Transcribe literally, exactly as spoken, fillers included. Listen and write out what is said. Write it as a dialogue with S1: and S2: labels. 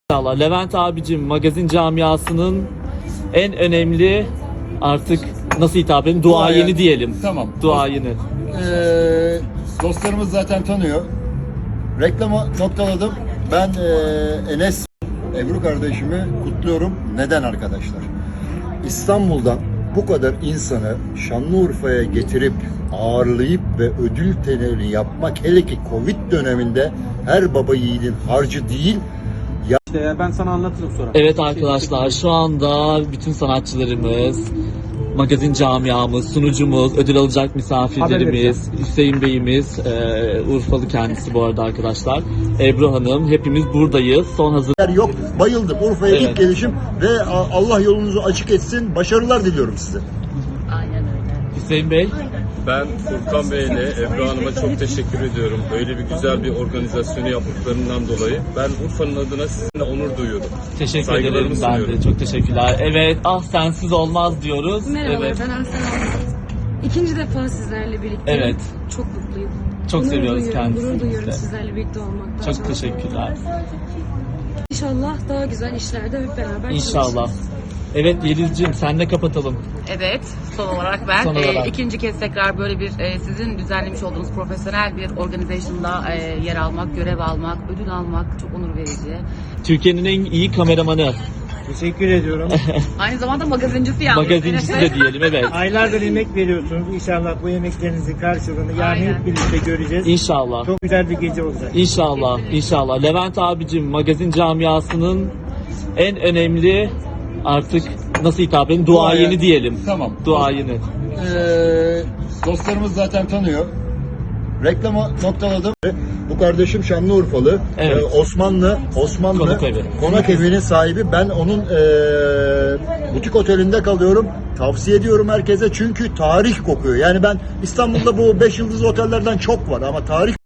S1: İnşallah. Levent abicim, magazin camiasının en önemli, artık nasıl hitap edin, duayeni
S2: Duayen.
S1: diyelim.
S2: Tamam.
S1: Duayeni.
S2: Ee, dostlarımız zaten tanıyor. Reklamı noktaladım. Ben ee, Enes, Ebru kardeşimi kutluyorum. Neden arkadaşlar? İstanbul'dan bu kadar insanı Şanlıurfa'ya getirip ağırlayıp ve ödül töreni yapmak, hele ki Covid döneminde, her baba yiğidin harcı değil.
S3: İşte ya ben sana anlatırım sonra.
S1: Evet arkadaşlar, şu anda bütün sanatçılarımız, magazin camiamız, sunucumuz, ödül alacak misafirlerimiz, Hüseyin Bey'imiz, e, Urfalı kendisi bu arada arkadaşlar, Ebru Hanım, hepimiz buradayız. Son hazır.
S2: Yok, bayıldım. Urfa'ya
S1: Evet.
S2: ilk gelişim ve Allah yolunuzu açık etsin. Başarılar diliyorum size.
S1: Hüseyin Bey.
S4: Ben Furkan Bey ile Ebru Hanım'a çok teşekkür ediyorum. Böyle bir güzel bir organizasyonu yaptıklarından dolayı. Ben Urfa'nın adına sizinle onur duyuyorum.
S1: Teşekkür
S4: Saygılarımı
S1: ederim ben de.
S4: sunuyorum.
S1: Çok teşekkürler. Evet, ah sensiz olmaz diyoruz.
S5: Merhabalar,
S1: Evet.
S5: ben Aslan Almaz. İkinci defa sizlerle birlikte.
S1: Evet.
S5: Çok mutluyum.
S1: Çok
S5: Gurur
S1: seviyoruz
S5: duyuyorum,
S1: kendisini
S5: Gurur duyuyorum
S1: de.
S5: sizlerle birlikte olmaktan.
S1: Çok teşekkürler.
S5: İnşallah daha güzel işlerde hep beraber
S1: İnşallah.
S5: çalışırız.
S1: Evet Yelizciğim, senle kapatalım.
S6: Evet, son olarak ben
S1: Son
S6: e,
S1: olarak.
S6: ikinci kez tekrar böyle bir e, sizin düzenlemiş olduğunuz profesyonel bir organizasyonda e, yer almak, görev almak, ödül almak çok onur verici.
S1: Türkiye'nin en iyi kameramanı,
S3: Teşekkür ediyorum.
S6: Aynı zamanda magazincisi yalnız.
S1: magazincisi de diyelim, evet.
S3: Aylardır emek veriyorsunuz. İnşallah bu emeklerinizin karşılığını yarın
S6: Aynen.
S3: hep birlikte göreceğiz.
S1: İnşallah.
S3: Çok güzel bir gece olacak.
S1: İnşallah, inşallah. Levent abicim, magazin camiasının en önemli, artık nasıl hitap edin, duayeni
S2: Duayen.
S1: diyelim.
S2: Tamam.
S1: Duayeni.
S2: Ee, dostlarımız zaten tanıyor. Reklamı noktaladım. Bu kardeşim Şanlıurfalı.
S1: Evet.
S2: Ee, Osmanlı, Osmanlı
S1: Konak evi.
S2: Konak evinin sahibi. Ben onun ee, butik otelinde kalıyorum. Tavsiye ediyorum herkese, çünkü tarih kokuyor. Yani ben İstanbul'da bu beş yıldızlı otellerden çok var ama tarih